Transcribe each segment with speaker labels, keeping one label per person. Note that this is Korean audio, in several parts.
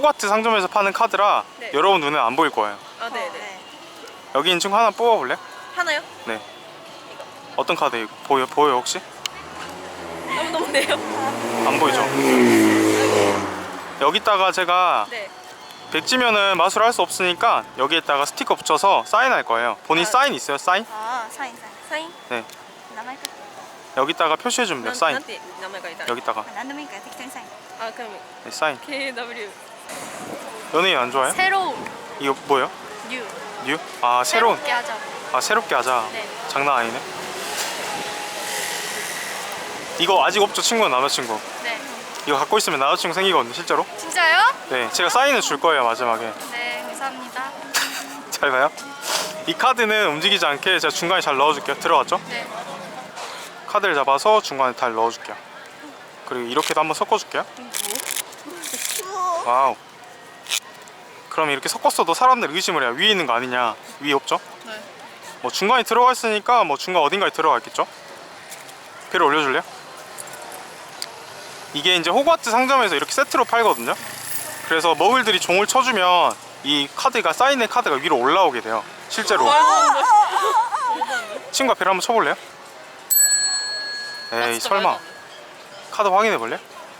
Speaker 1: 호가트 상점에서 파는 카드라
Speaker 2: 네.
Speaker 1: 여러분 눈에 안 보일 거예요.
Speaker 2: 아, 네네.
Speaker 1: 여기 있는 친구 하나 뽑아볼래?
Speaker 2: 하나요?
Speaker 1: 네. 어떤 카드 이거 보여 혹시?
Speaker 2: 너무 네요.
Speaker 1: 안 보이죠? 여기다가 제가
Speaker 2: 네.
Speaker 1: 백지면은 마술을 할 수 없으니까 여기에다가 스티커 붙여서 사인할 거예요. 본인 사인 있어요? 사인?
Speaker 3: 아, 사인.
Speaker 2: 사인?
Speaker 1: 네.
Speaker 3: 名前と
Speaker 1: 여기다가 표시해주면 돼요. 사인.
Speaker 2: なんて名前がいたら。
Speaker 1: 여기다가.
Speaker 3: 何でもいいから適当にサイン。
Speaker 2: 아, 그럼
Speaker 1: 네, 사인.
Speaker 2: KW.
Speaker 1: 연예인 안 좋아해요?
Speaker 2: 새로운
Speaker 1: 이거 뭐예요?
Speaker 2: 뉴.
Speaker 1: 뉴? 아 새로운.
Speaker 2: 새롭게 하자.
Speaker 1: 아 새롭게 하자.
Speaker 2: 네.
Speaker 1: 장난 아니네. 이거 아직 없죠? 친구는 남자친구.
Speaker 2: 네.
Speaker 1: 이거 갖고 있으면 남자친구 생기거든요 실제로.
Speaker 2: 진짜요?
Speaker 1: 네, 제가 사인을 줄 거예요 마지막에.
Speaker 2: 네, 감사합니다.
Speaker 1: 잘 봐요. 이 카드는 움직이지 않게 제가 중간에 잘 넣어줄게요. 들어갔죠?
Speaker 2: 네.
Speaker 1: 카드를 잡아서 중간에 잘 넣어줄게요. 그리고 이렇게도 한번 섞어줄게요. 와우. 그럼 이렇게 섞었어도 사람들 의심을 해요. 위에 있는 거 아니냐. 위에 없죠?
Speaker 2: 네.
Speaker 1: 뭐 중간에 들어가 있으니까 뭐 중간 어딘가에 들어가 있겠죠? 배를 올려줄래요? 이게 이제 호그와트 상점에서 이렇게 세트로 팔거든요. 그래서 머글들이 종을 쳐주면 이 카드가 사인의 카드가 위로 올라오게 돼요. 실제로. 친구가 배를 한번 쳐볼래요? 에이 설마. 카드 확인해 볼래?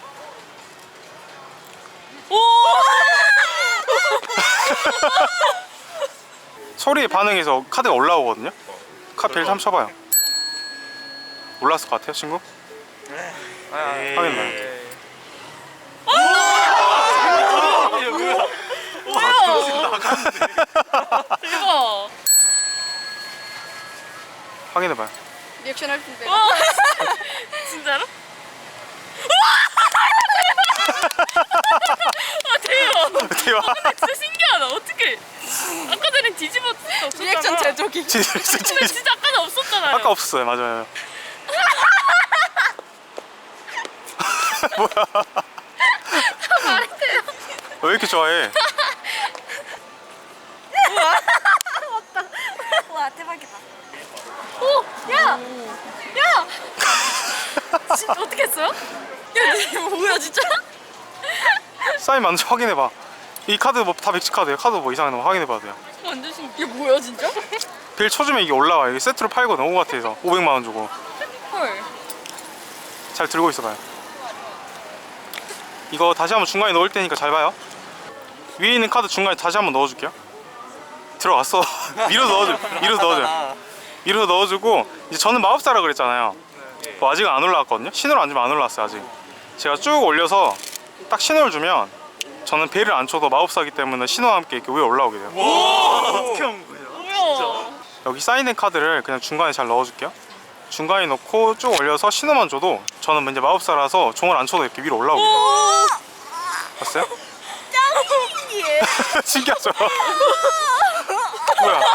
Speaker 2: 오!
Speaker 1: 소리에 반응해서 카드가 올라오거든요. 카드 배를 한번 쳐봐요. 올랐을 것 같아요 친구? 확인해봐요.
Speaker 2: 대박.
Speaker 1: 확인해봐요.
Speaker 2: 리액션 할 텐데. 진짜로? 아, 대박.
Speaker 1: 대박.
Speaker 2: 진짜 신기하다. 어떻게? 아까 전에 뒤집어 없었잖아. 리액션 제조기. 근데 진짜 아까는 없었잖아요.
Speaker 1: 아까 없었어요. 맞아요. 뭐야?
Speaker 2: 말했대요.
Speaker 1: 왜 이렇게 좋아해?
Speaker 3: 와, 대박이다.
Speaker 2: 오, 야, 야. 진짜 어떻게 했어요? 야, 이거 뭐야 진짜?
Speaker 1: 사인 맞는지 확인해봐. 이 카드 뭐 다 백지 카드예요. 카드 뭐 이상한 거 확인해봐도 돼요.
Speaker 2: 완전 신기. 이게 뭐야 진짜?
Speaker 1: 빌 쳐주면 이게 올라와요. 이게 세트로 팔거든. 호그와트에서 500만 원 주고.
Speaker 2: 헐.
Speaker 1: 잘 들고 있어봐요. 이거 다시 한번 중간에 넣을 테니까 잘 봐요. 위에 있는 카드 중간에 다시 한번 넣어줄게요. 들어갔어. 밀어서 넣어줘. 밀어서 넣어주고 이제 저는 마법사라 그랬잖아요. 뭐 아직은 안 올라왔거든요. 신호를 안 주면 안 올라왔어요 아직. 제가 쭉 올려서 딱 신호를 주면 저는 배를 안 쳐도 마법사기 때문에 신호와 함께 이렇게 위에 올라오게 돼요.
Speaker 4: 어떻게 한 거야?
Speaker 2: 뭐야?
Speaker 1: 여기 사인된 카드를 그냥 중간에 잘 넣어줄게요. 중간에 넣고 쭉 올려서 신호만 줘도 저는 이제 마법사라서 종을 안 쳐도 이렇게 위로 올라오게 돼요. 봤어요?
Speaker 3: 짱이에.
Speaker 1: 신기하죠? 뭐야?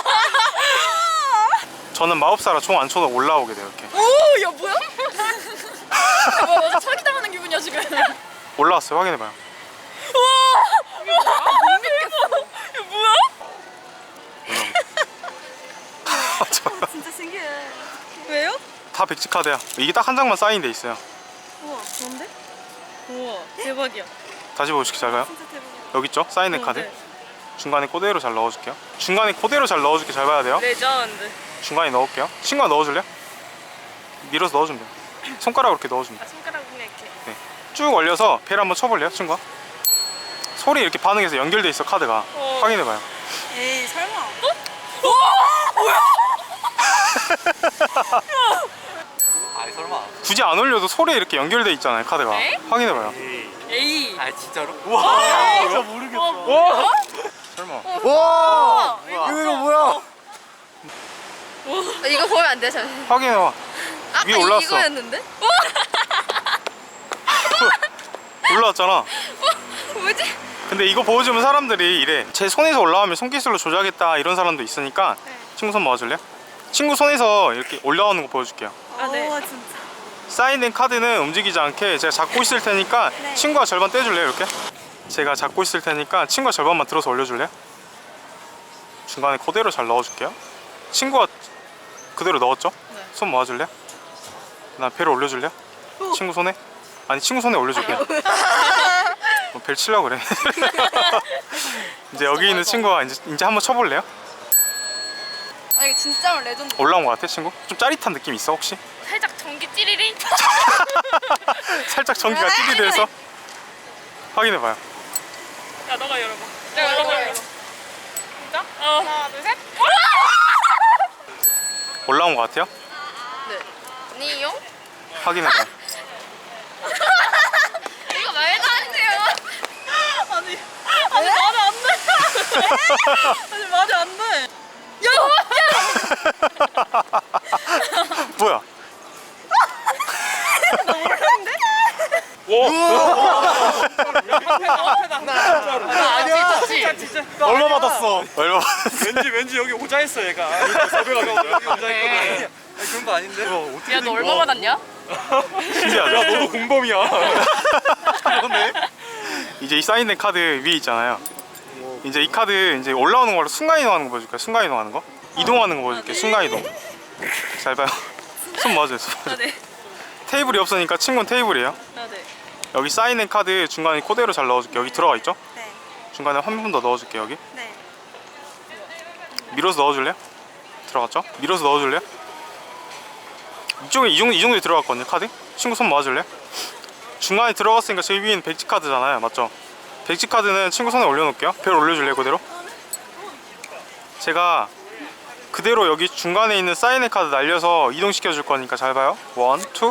Speaker 1: 저는 마법사라 종 안 쳐도 올라오게 돼요 이렇게.
Speaker 2: 오, 야 뭐야? 야, 뭐야, 나 사기 당하는 기분이야 지금.
Speaker 1: 올라왔어요. 확인해봐요.
Speaker 2: 와, 못 믿겠어. 이거 뭐야?
Speaker 3: 진짜 신기해.
Speaker 2: 왜요?
Speaker 1: 다 백지 카드야. 이게 딱 한 장만 사인돼 있어요.
Speaker 2: 우와, 좋은데? 우와, 대박이야.
Speaker 1: 다시 보시기 잘 봐요.
Speaker 3: 진짜 대박이야.
Speaker 1: 여기 있죠? 사인된 카드.
Speaker 2: 네.
Speaker 1: 중간에 그대로 잘 넣어줄게요. 중간에 그대로 잘 넣어줄게. 잘 봐야 돼요.
Speaker 2: 레전드.
Speaker 1: 중간에 넣을게요. 친구가 넣어줄래요? 밀어서 넣어주면 돼요. 손가락으로 이렇게 넣어주면 돼요.
Speaker 2: 아, 손가락 그냥 이렇게.
Speaker 1: 네. 쭉 올려서 배를 한번 쳐볼래요, 친구가? 소리 이렇게 반응해서 연결돼 있어 카드가. 확인해봐요.
Speaker 3: 에이, 설마.
Speaker 4: 아이 설마.
Speaker 1: 굳이 안 올려도 소리에 이렇게 연결돼 있잖아요 카드가.
Speaker 2: 네?
Speaker 1: 확인해봐요.
Speaker 2: 에이.
Speaker 4: 아 진짜로?
Speaker 2: 와,
Speaker 4: 진짜 모르겠어.
Speaker 1: 와! 설마.
Speaker 4: 와.
Speaker 2: 이거
Speaker 4: 이거 뭐야?
Speaker 2: 이거 보면 안 돼, 잠시.
Speaker 1: 확인해봐.
Speaker 2: 아까
Speaker 1: 위에 올라왔어.
Speaker 2: 이거였는데?
Speaker 1: 올라왔잖아.
Speaker 2: 뭐지?
Speaker 1: 근데 이거 보여주면 사람들이 이래. 제 손에서 올라오면 손기술로 조작했다 이런 사람도 있으니까
Speaker 2: 네.
Speaker 1: 친구 손 모아줄래요? 친구 손에서 이렇게 올라오는 거 보여줄게요.
Speaker 2: 아, 네.
Speaker 3: 오, 진짜.
Speaker 1: 사인된 카드는 움직이지 않게 제가 잡고 있을 테니까
Speaker 3: 네.
Speaker 1: 친구가 절반 떼줄래요 이렇게? 제가 잡고 있을 테니까 친구가 절반만 들어서 올려줄래요? 중간에 그대로 잘 넣어줄게요. 친구가 그대로 넣었죠?
Speaker 2: 네.
Speaker 1: 손 모아줄래요? 나 배를 올려줄래요? 친구 손에? 아니 친구 손에 올려줄게요. 벨 치려고 그래. 이제 여기 있는 친구가 이제 한번 쳐볼래요?
Speaker 3: 아 이거 진짜 레전드.
Speaker 1: 올라온 것 같아 친구? 좀 짜릿한 느낌 있어 혹시?
Speaker 2: 살짝 전기 찌리리.
Speaker 1: 살짝 전기가 찌릿해서 확인해봐요.
Speaker 2: 야 너가 열어봐. 내가 열어봐. 진짜? 하나 둘 셋.
Speaker 1: 올라온 것 같아요?
Speaker 2: 네. 니요?
Speaker 1: 확인해봐요.
Speaker 2: 이거 말도 안 돼요. 아니 말이 안 돼. 아니 말이 안 돼. 야!
Speaker 1: 뭐야?
Speaker 2: 아니야. 진짜.
Speaker 4: 얼마 받았어?
Speaker 1: 얼마?
Speaker 4: 왠지 여기 오자 했어 얘가. 섭외가 여기 오자 했거든. 아니, 그런 거 아닌데?
Speaker 2: 야 너 얼마 받았냐?
Speaker 1: 신기하죠?
Speaker 4: 너도 공범이야. 그러네.
Speaker 1: 이제 이 사인된 카드 위에 있잖아요. 이제 이 카드 이제 올라오는 걸로 순간 이동하는 거 보여줄게요. 순간 이동하는 거. 이동하는 거 보여줄게요. 순간 이동. 잘 봐요. 손 맞아요. 손 맞아요.
Speaker 2: 네.
Speaker 1: 테이블이 없으니까 친구는 테이블이에요.
Speaker 2: 네.
Speaker 1: 여기 사인된 카드 중간에 그대로 잘 넣어줄게요. 여기 들어가 있죠?
Speaker 3: 네.
Speaker 1: 중간에 한 번 더 넣어줄게요. 여기.
Speaker 3: 네.
Speaker 1: 밀어서 넣어줄래요? 들어갔죠? 밀어서 넣어줄래요? 이쪽에 이 정도에 들어갔거든요. 카드. 친구 손 모아줄래요? 중간에 들어갔으니까 제일 위에는 백지 카드잖아요. 맞죠? 백지 카드는 친구 손에 올려놓을게요. 별 올려줄래요? 그대로? 제가 그대로 여기 중간에 있는 사인의 카드 날려서 이동시켜 줄 거니까 잘 봐요. 1, 2.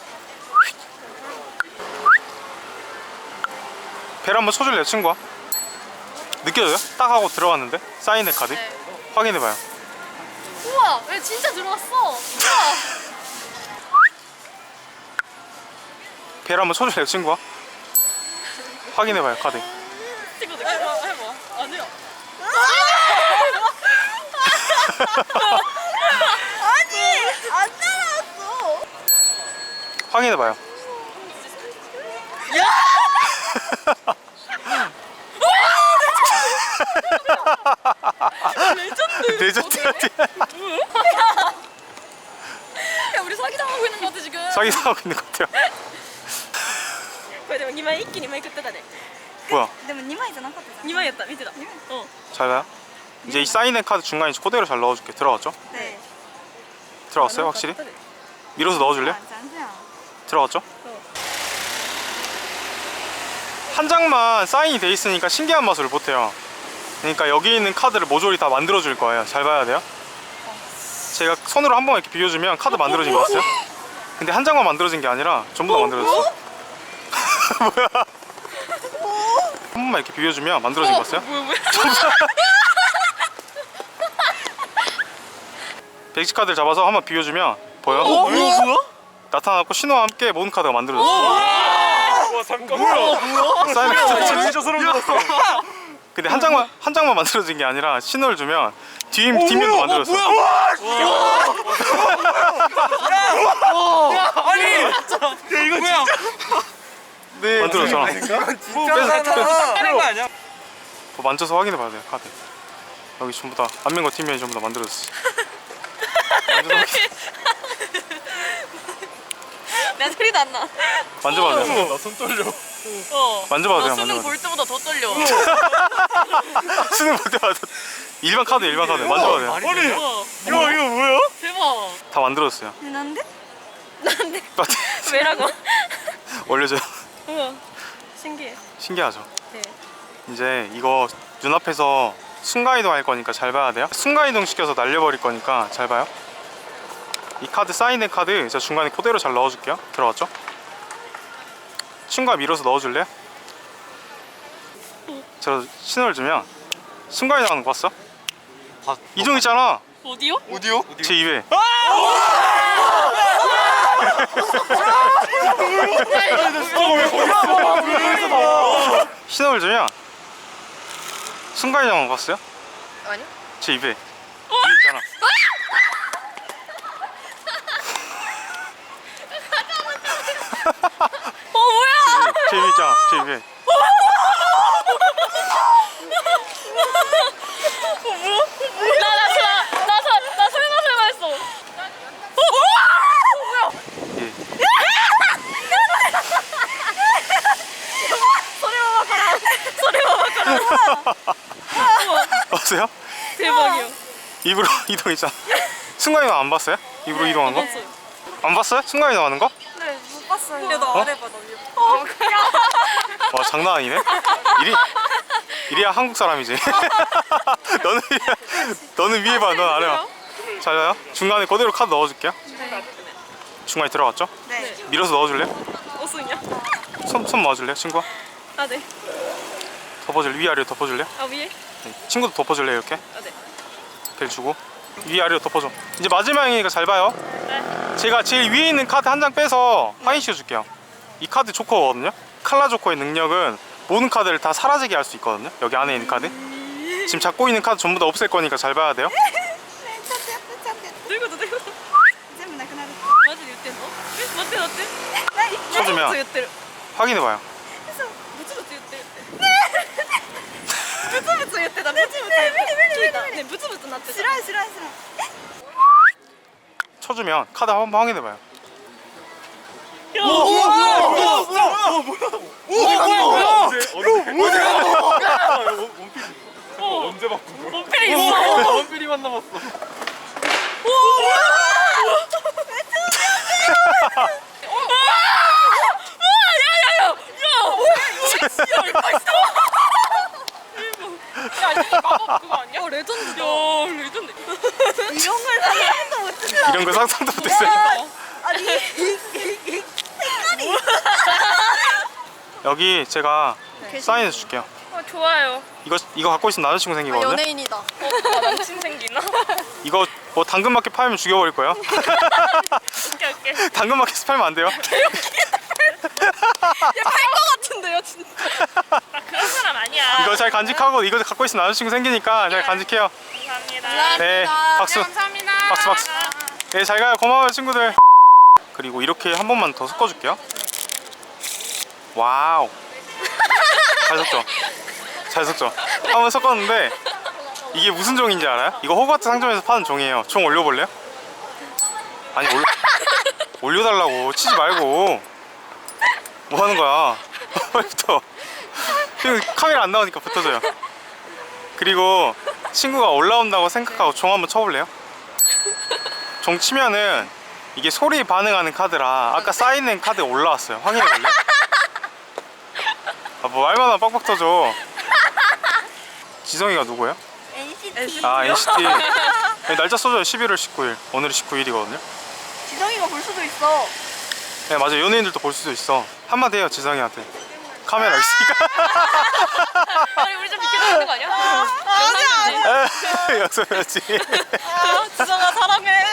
Speaker 1: 벨 한번 쳐줄래요, 친구야? 느껴져요? 딱 하고 들어갔는데? 사인의 카드?
Speaker 2: 네.
Speaker 1: 확인해봐요.
Speaker 2: 우와 왜 진짜 들어왔어? 우와.
Speaker 1: 벨 한번 쳐줄래요, 친구야? 확인해봐요, 카드.
Speaker 2: 친구들 해봐. 아니야.
Speaker 3: 아니 안 따라왔어.
Speaker 1: 확인해봐요. 레전드
Speaker 2: 야 우리 사기당하고 있는 거 같아 지금.
Speaker 1: 사기당하고 있는 것 같아요.
Speaker 2: これでも2枚一気に枚食ってたね
Speaker 1: 뭐야?
Speaker 3: でも2枚じゃなかったじゃん。
Speaker 2: 2枚やった見てた
Speaker 1: 잘 봐요. 이제 이 사인의 카드 중간에 그대로 잘 넣어줄게. 들어갔죠?
Speaker 3: 네.
Speaker 1: 들어갔어요, 확실히? 밀어서 넣어줄래?
Speaker 3: 아, 잠시만.
Speaker 1: 들어갔죠? 한 장만 사인이 돼 있으니까 신기한 맛을 못해요. 그러니까 여기 있는 카드를 모조리 다 만들어 줄 거예요. 잘 봐야 돼요. 제가 손으로 한 번 이렇게 비벼주면 카드 만들어진 거 같아요. 근데 한 장만 만들어진 게 아니라 전부 다 만들어졌어. 뭐야? 한 번만 이렇게 비벼주면 만들어진 거 같아요.
Speaker 2: 뭐야
Speaker 1: 백지 카드를 잡아서 한번 비벼주면 보여?
Speaker 4: 뭐야?
Speaker 1: 나타났고 신호와 함께 모든 카드가 만들어졌어.
Speaker 4: 와 잠깐. 뭐야?
Speaker 1: 사인 카드.
Speaker 4: 진짜 소름 돋았어.
Speaker 1: 근데 한 장만 만들어진 게 아니라 신호를 주면 뒷면도 만들어졌어.
Speaker 4: 아니. 야 이거 뭐야? 네.
Speaker 1: 만들어졌잖아.
Speaker 4: 이건 진짜 하는 거 아니야?
Speaker 1: 뭐 만져서 확인해 봐야 돼요, 카드. 여기 전부 다 안면과 뒷면이 전부 다 만들어졌어.
Speaker 2: 내 소리도 안 나.
Speaker 1: 만져봐도 돼요.
Speaker 4: 나손 떨려.
Speaker 1: 만져봐도 돼요.
Speaker 2: 수능
Speaker 1: 만져봐도
Speaker 2: 볼 때보다 더 떨려.
Speaker 1: 돼요. 수능 볼 때마다 일반 카드 만져봐도 돼요.
Speaker 4: 아니 이거 뭐야?
Speaker 2: 대박.
Speaker 1: 다 만들어졌어요.
Speaker 3: 난데?
Speaker 1: 빨리
Speaker 2: 왜라고?
Speaker 1: 올려줘요.
Speaker 2: 우와 신기해.
Speaker 1: 신기하죠?
Speaker 2: 네.
Speaker 1: 이제 이거 눈앞에서 순간이동 할 거니까 잘 봐야 돼요. 순간이동 시켜서 날려버릴 거니까 잘 봐요. 이 카드 사인의 카드 제가 중간에 그대로 잘 넣어줄게요. 들어갔죠? 친구가 밀어서 넣어줄래요? 제가 신호를 주면 순간이동 하는 거 봤어? 이종 있잖아.
Speaker 2: 어디요?
Speaker 4: 어디요?
Speaker 1: 제 입에. 신호를 주면 순간이동 하는 거 봤어요?
Speaker 2: 아니요.
Speaker 1: 제 입에. 입에 있잖아.
Speaker 2: 뭐야?
Speaker 1: 제 입에 있잖아. 제 입에.
Speaker 2: 나 설마 했어. 뭐야?
Speaker 1: 예.
Speaker 2: 소리 봐봐.
Speaker 1: 봤어요?
Speaker 2: 대박이야.
Speaker 1: 입으로 이동했잖아. 순간이 안 봤어요? 입으로 이동한 거?
Speaker 2: 봤어요.
Speaker 1: 안 봤어요? 순간이 나가는 거?
Speaker 3: 네, 못 봤어요.
Speaker 2: 야, 너
Speaker 1: 어?
Speaker 2: 안 해봐, 너 이거.
Speaker 1: 와 장난 아니네. 이리야 한국 사람이지. 너는 위에 봐, 넌 아래 봐. 잘 봐요. 중간에 그대로 카드 넣어줄게요. 중간에 들어갔죠?
Speaker 3: 네.
Speaker 1: 밀어서 넣어줄래요?
Speaker 2: 어승이야?
Speaker 1: 손 넣어줄래요, 친구야?
Speaker 2: 아, 네.
Speaker 1: 덮어줄래? 위아래로 덮어줄래요?
Speaker 2: 아, 위에?
Speaker 1: 네. 친구도 덮어줄래요, 이렇게?
Speaker 2: 아, 네.
Speaker 1: 벨 주고 위아래로 덮어줘. 이제 마지막이니까 잘 봐요.
Speaker 2: 네.
Speaker 1: 제가 제일 위에 있는 카드 한 장 빼서 확인시켜 줄게요. 이 카드 조커거든요. 칼라 조커의 능력은 모든 카드를 다 사라지게 할 수 있거든요. 여기 안에 있는 카드. 지금 잡고 있는 카드 전부 다 없앨 거니까 잘 봐야 돼요.
Speaker 2: どういうことどういうこと
Speaker 3: 全部なくなる。
Speaker 2: マジで言ってんのえ待って待って
Speaker 3: 何？
Speaker 1: 쳐주면
Speaker 2: 言ってる
Speaker 1: 확인해봐요.
Speaker 2: ブツブツ言ってるって
Speaker 3: ブツブツ言ってた。ブツブツ。
Speaker 2: 聞いたねブツブツなってた
Speaker 3: 知らん知らん知らん。
Speaker 1: 쳐주면 카드 한번 확인해봐요.
Speaker 2: いや
Speaker 4: 언제 바꾼 거야?
Speaker 2: 원필이 있어
Speaker 4: 원필이만 남았어.
Speaker 2: 야야야 야 이거 마법 그거 아니야? 레전드다 야 레전드
Speaker 3: 이런 걸 상상도 못했어.
Speaker 1: 이런 거 상상도 못했어요.
Speaker 3: 아니
Speaker 1: 여기 제가 사인해 줄게요.
Speaker 2: 좋아요
Speaker 1: 이거 갖고 있으면 남자친구 생기거든요.
Speaker 3: 연예인이다.
Speaker 2: 나 남친 생기나?
Speaker 1: 이거 뭐 당근마켓 팔면 죽여버릴 거예요.
Speaker 2: 오케이 오케이
Speaker 1: 당근마켓 팔면 안 돼요.
Speaker 3: 팔것 같은데요 진짜.
Speaker 2: 나 그런 사람 아니야
Speaker 1: 이거 잘 간직하고 이거 갖고 있으면 남자친구 생기니까 잘 간직해요.
Speaker 2: 감사합니다
Speaker 1: 네, 박수.
Speaker 2: 감사합니다
Speaker 1: 박수, 박수. 네, 잘 가요. 고마워요, 친구들. 그리고 이렇게 한 번만 더 섞어줄게요. 와우. 잘 섞죠? 잘 섞죠? 한 번 섞었는데 이게 무슨 종인지 알아요? 이거 호그와트 상점에서 파는 종이에요. 종 올려볼래요? 아니 올려달라고 치지 말고 뭐 하는 거야? 빨리 붙어. 지금 카메라 안 나오니까 붙어줘요. 그리고 친구가 올라온다고 생각하고 종 한번 쳐볼래요? 종 치면은 이게 소리에 반응하는 카드라 아까 사인된 카드 올라왔어요. 확인해볼래? 아, 뭐 말만 하면 빡빡 터져. 지성이가 누구예요?
Speaker 3: NCT.
Speaker 1: 아 NCT. 네, 날짜 써줘요. 11월 19일. 오늘이 19일이거든요.
Speaker 3: 지성이가 볼 수도 있어.
Speaker 1: 네 맞아. 연예인들도 볼 수도 있어. 한마디 해요 지성이한테. 카메라 있으니까.
Speaker 2: 아니 우리 좀 비켜줘야 되는 거 아니야?
Speaker 3: 아니야.
Speaker 1: 약속해야지.
Speaker 3: 지성아 사랑해.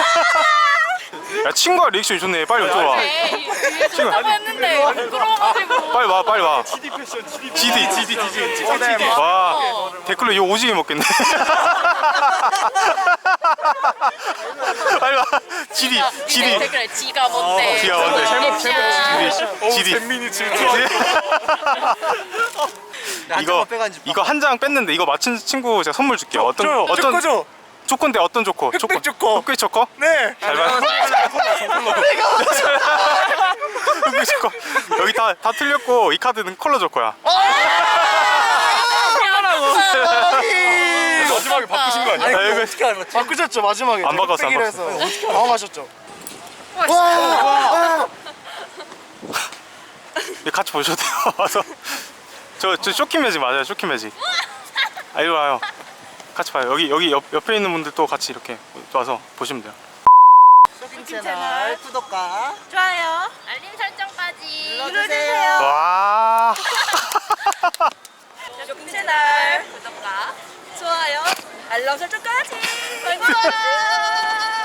Speaker 1: 야 친구가 리액션이 좋네. 빨리 이쪽으로 와. 친구
Speaker 2: 했는데 부끄러워가지고
Speaker 1: 빨리 와 빨리 와.
Speaker 4: GD 패션, GD
Speaker 1: GD. 와 댓글로 이거 오지게 먹겠네. 빨리 와. GD.
Speaker 2: 댓글에 지가 뭔데
Speaker 1: 지가 뭔데? GD.
Speaker 4: 잼민이 질투.
Speaker 1: 이거 한 장 뺐는데 이거 맞춘 친구 제가 선물 줄게요. 어떤
Speaker 4: 조커죠?
Speaker 1: 조건데 어떤 조커?
Speaker 4: 흑백 조커.
Speaker 1: 흑백 조커?
Speaker 4: 네.
Speaker 1: 잘 봐. 흑백 조커. 여기 다 틀렸고 이 카드는 컬러 조커야.
Speaker 4: 마지막에 바꾸신 거 아니야?
Speaker 1: 아, 이거
Speaker 4: 어떻게 알았지? 바꾸셨죠 마지막에.
Speaker 1: 안 바꿨어, 안
Speaker 4: 흑백이라
Speaker 1: 바꿨어.
Speaker 4: 해서 어떻게 당황하셨죠?
Speaker 1: 이거 같이 보셔도 돼요. 와서 저 쇼킹 매직 맞아요. 쇼킹 매직. 아 이리 와요. 같이 봐요. 여기 옆에 있는 분들도 같이 이렇게 와서 보시면 돼요.
Speaker 3: 쇼핑 채널 구독과
Speaker 2: 좋아요 알림 설정까지
Speaker 3: 눌러주세요.
Speaker 1: 와.
Speaker 3: 쇼핑 채널
Speaker 2: 구독과
Speaker 3: 좋아요 알람 설정까지.
Speaker 2: 바이바이